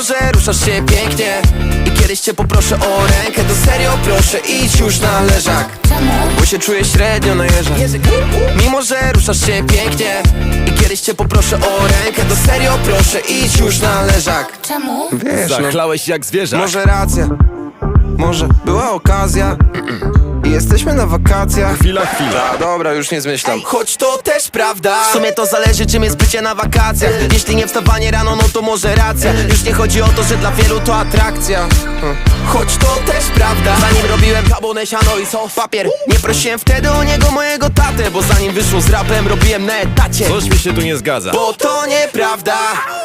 że ruszasz się pięknie i kiedyś cię poproszę o rękę, to serio proszę idź już na leżak. Bo się czuję średnio na jeżach. Mimo że ruszasz się pięknie i kiedyś cię poproszę o rękę, to serio proszę idź już na leżak. Czemu? Wiesz, no, Zachlałeś jak zwierzak. może racja, może była okazja i jesteśmy na wakacjach. Chwila. A dobra, już nie zmyślam. Choć to też prawda, w sumie to zależy czym jest bycie na wakacjach. Jeśli nie wstawanie rano, no to może racja. Już nie chodzi o to, że dla wielu to atrakcja. Choć to też prawda, zanim robiłem kabonę, siano i sos papier, nie prosiłem wtedy o niego mojego tatę, bo zanim wyszło z rapem robiłem na etacie. Coś mi się tu nie zgadza. Bo to nieprawda,